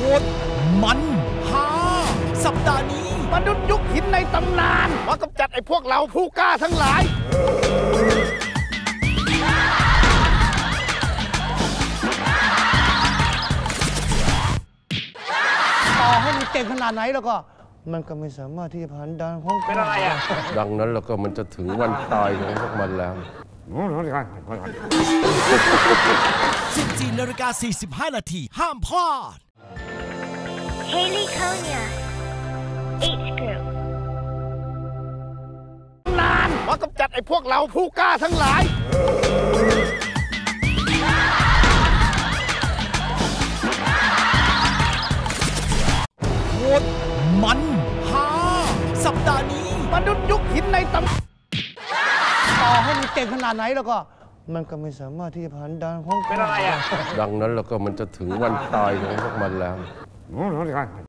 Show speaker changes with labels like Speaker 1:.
Speaker 1: โหดมันฮาสัปดาห์นี้
Speaker 2: มนุษย์ยุคหินในตำนานมากำจัดไอ้พวกเราผู้กล้าทั้งหลาย
Speaker 3: ต่อให้มันเก่งขนาดไหนแล้วก็มันก็ไม่สามารถที่จะผ่านด่านของเป็นอะไรอ่ะ
Speaker 4: ดังนั้นแล้วก็มันจะถึงวันตายของพวกมันแล้ว
Speaker 1: 14:45 นาทีห้ามพลาด
Speaker 5: Haley Konya, H Group.
Speaker 2: นานมากำจัดไอ้พวกเราผู้กล้าทั้งหลาย
Speaker 1: โหดมันฮาสัปดาห์นี้
Speaker 2: มนุษย์ยุคหินในตำนาน
Speaker 3: ต่อให้มันเก่งขนาดไหนแล้วก็มันก็ไม่สามารถที่จะผ่านด่านของเป็นอะไรอ่ะ
Speaker 4: ดังนั้นแล้วก็มันจะถึงวันตายของพวกมันแล้ว